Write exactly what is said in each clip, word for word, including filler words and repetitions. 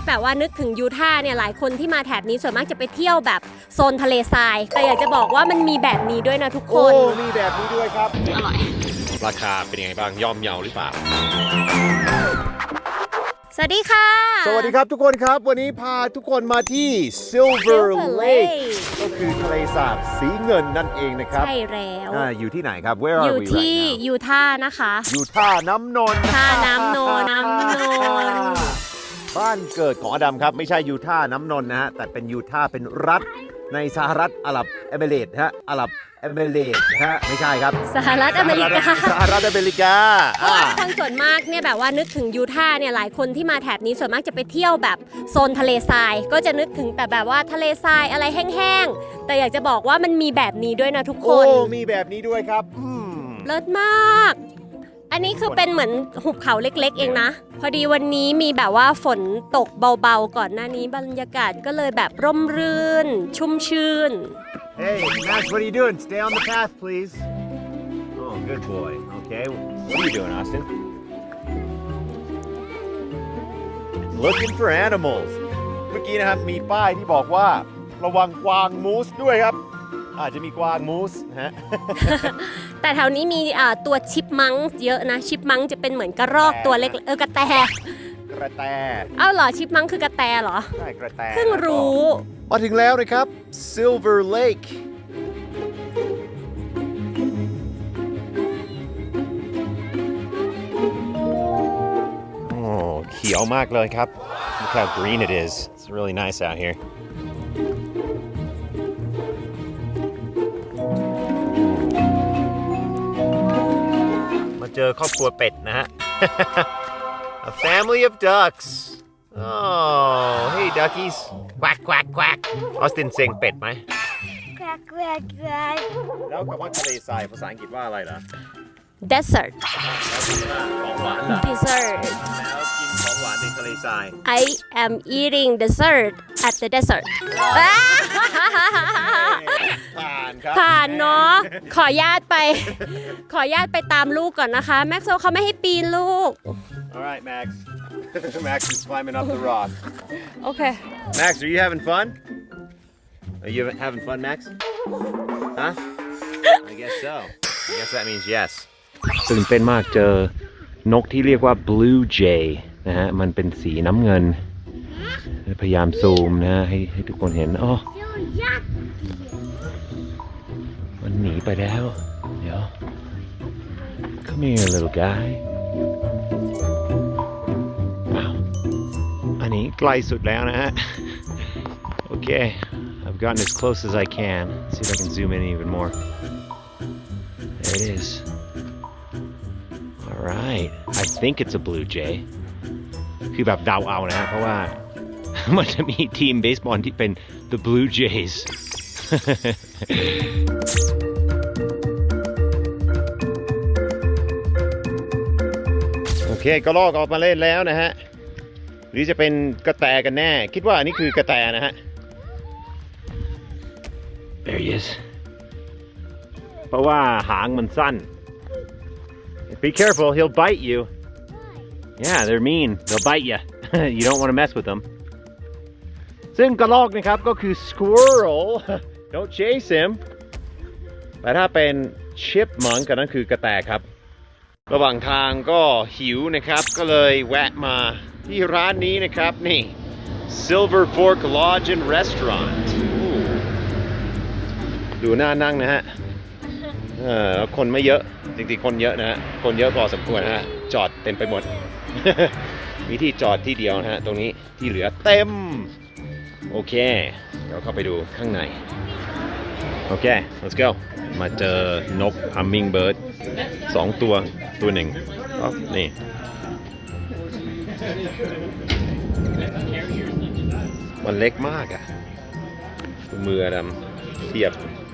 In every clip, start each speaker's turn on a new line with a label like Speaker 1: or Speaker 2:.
Speaker 1: แบบว่านึกถึงยูทาห์เนี่ยหลายคนที่มาแถบนี้ส่วนมากจะไปเที่ยวแบบโซนทะเลทรายแต่อยากจะบอกว่ามันมีแบบนี้ด้วยนะทุกค
Speaker 2: โอ้
Speaker 1: น
Speaker 2: มีแบบนี้ด้วยครับ
Speaker 1: อร่อย
Speaker 3: ราคาเป็นยังไงบ้างย่อมเยาหรือเปล่า
Speaker 1: สวัสดีค่ะ
Speaker 2: สวัสดีครับทุกคนครับ วันนี้พาทุกคนมาที่ Silver
Speaker 1: Silver
Speaker 2: Lake
Speaker 1: Lake
Speaker 2: ก็คือทะเลสาบสีเงินนั่นเองนะครับ
Speaker 1: ใช่แล้ว
Speaker 2: อ่าอยู่ที่ไหนครับ Where
Speaker 1: อยู่
Speaker 2: are we
Speaker 1: ที่
Speaker 2: right now
Speaker 1: ยูทาห์นะคะ
Speaker 2: อยู่ท่าน้ำนนท์
Speaker 1: ท่าน้ำนนท์น้ำนนท์
Speaker 2: บ้านเกิดของอดัมครับ ไม่ใช่ยูท่าน้ำนนท์นะฮะแต่เป็นยูท่าเป็นรัฐในสหรัฐอาหรับเอมิเรตส์ฮะอาหรับเอมิเรตส์ฮะไม่ใช่ครับ
Speaker 1: สหรัฐอเมริกา
Speaker 2: สหรัฐอเมริกา
Speaker 1: เพราะ
Speaker 2: อ่า
Speaker 1: ว่าคนส่วนมากเนี่ยแบบว่านึกถึงยูทาห์เนี่ยหลายคนที่มาแถบนี้ส่วนมากจะไปเที่ยวแบบโซนทะเลทรายก็จะนึกถึงแต่แบบว่าทะเลทรายอะไรแห้งๆแต่อยากจะบอกว่ามันมีแบบนี้ด้วยนะทุกค
Speaker 2: โอ้
Speaker 1: น
Speaker 2: มีแบบนี้ด้วยครับอืม
Speaker 1: เลิศมาก อันนี้คือเป็นเหมือนหุบเขาเล็กๆเองนะ พอดีวันนี้มีแบบว่าฝนตกเบาๆก่อนหน้านี้บรรยากาศก็เลยแบบร่มรื่น ชุ่มชื่น
Speaker 2: Hey Max what are you doing stay on the path please Oh good boy okay what are you doing Austin Looking for animals เมื่อกี้นะครับมีป้ายที่บอกว่าระวังกวางมูสด้วยครับอาจจะมีกวางมูสนะฮะ
Speaker 1: แต่แถวนี้มีอ่าตัวชิปมังค์เยอะนะ ชิปมังค์จะเป็นเหมือนกระรอกตัวเล็กเออกระแต
Speaker 2: กระแต
Speaker 1: เอ้าเหรอชิปมังค์คือกระแตเหรอ
Speaker 2: ใช่กระแต
Speaker 1: เพิ่งรู้
Speaker 2: มาถึงแล้วนะครับ Silver Lake
Speaker 3: โอ้เขียวมากเลยครับ Look how green it is It's really nice out here
Speaker 2: มาเจอครอบครัวเป็ดนะฮะ A family of ducks Oh hey duckies quack quack quack ออสตินเซ็งเป็ดไหม
Speaker 4: Quack, quack, quack.
Speaker 2: แล้วคำว่าทะเลทรายภาษาอังกฤษว่าอะไรล่ะ
Speaker 1: desert
Speaker 2: ของหวานล่ะ
Speaker 1: dessert
Speaker 2: แล้วกินของหวานในทะเลทราย
Speaker 1: I am eating dessert at the desert
Speaker 2: ผ่านครับ
Speaker 1: ผ่านเนาะ ขอญาตไป ขอญาตไปตามลูกก่อนนะคะ แม็กโซเขาไม่ให้ปีนลูก
Speaker 2: Alright Max Max is climbing up the rock
Speaker 1: โอเค
Speaker 2: Max are you having fun Are you having fun Max Huh I guess so I guess that means yes
Speaker 3: ตื่นเต้นมากเจอนกที่เรียกว่า blue jay นะฮะมันเป็นสีน้ำเงินพยายามซูมนะให้ให้ทุกคนเห็นอ๋อมันหนีไปแล้วเดี๋ยว come here little guy อ้าวอันนี้ใกล้สุดแล้วนะฮะโอเค I've gotten as close as I can see if I can zoom in even more there it is Alright I think it's a blue jay คือแบบเดาเอานะฮะเพราะว่า มันจะมีทีมเบสบอลที่เป็น the blue jays
Speaker 2: โอเคก็ลอกออกมาเล่นแล้วนะฮะหรือจะเป็นกระแตกันแน่คิดว่าอันนี้คือกระแตนะฮะ
Speaker 3: There he is เพราะว่าหางมันสั้น
Speaker 2: Be careful he'll bite you
Speaker 3: Yeah they're mean they'll bite you you don't want to mess with them
Speaker 2: ซึ่งกระลอกนะครับก็คือ squirrel don't chase him แต่ถ้าเป็น chipmunk ก็นั่นคือกระแตครับระหว่างทางก็หิวนะครับก็เลยแวะมาที่ร้านนี้นะครับนี่ Silver Fork Lodge and Restaurant ดูน่านั่งนะฮะเออคนไม่เยอะจริงๆคนเยอะนะฮะคนเยอะพอสมควรนะฮะจอดเต็มไปหมด มีที่จอดที่เดียวนะฮะตรงนี้ที่เหลือเต็มโอเคเดี๋ยวเข้าไปดูข้างในโอเค let's go มาเจอนก hummingbird สองตัวตัวหนึ่งอ๋อนี่มันเล็กมากอะมือดำเทียบ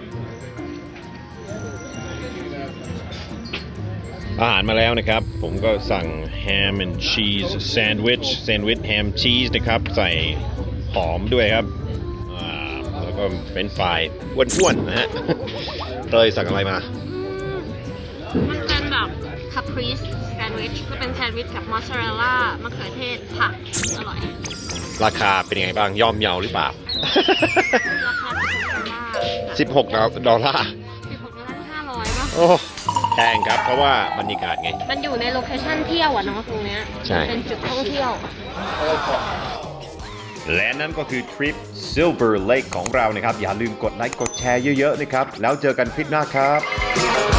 Speaker 2: อาหารมาแล้วนะครับผมก็สั่ง ham and cheese sandwich sandwich ham cheese นะครับใส่หอมด้วยครับแล้วก็เป็นฝ่ายอ้วนๆนะฮะเตยสั่งอะไรมา
Speaker 1: มันเป็นแบบคาปริสแซนด์วิชก็เป็นแซนด์วิชกับมอสซาเรลล่ามะเขือเทศผักอร่อย
Speaker 2: ราคาเป็นยังไงบ้างย่อมเยาหรือเปล่า
Speaker 1: ราคาสิบหกดอลลาร์
Speaker 2: สิบหกดอลลาร์
Speaker 1: สิบหกดอลลาร์ห้าร้อยป่ะ
Speaker 2: โอ้แพงครับเพราะว่าบรรยากาศไง
Speaker 1: มันอยู่ในโลเคชั่นเที่ยวอะเนาะตรงเนี้ย
Speaker 2: ใช่
Speaker 1: เป็นจุดท่องเที่ยว
Speaker 2: และนั่นก็คือทริป Silver Lake ของเรานะครับ อย่าลืมกดไลค์กดแชร์เยอะๆนะครับ แล้วเจอกันคลิปหน้าครับ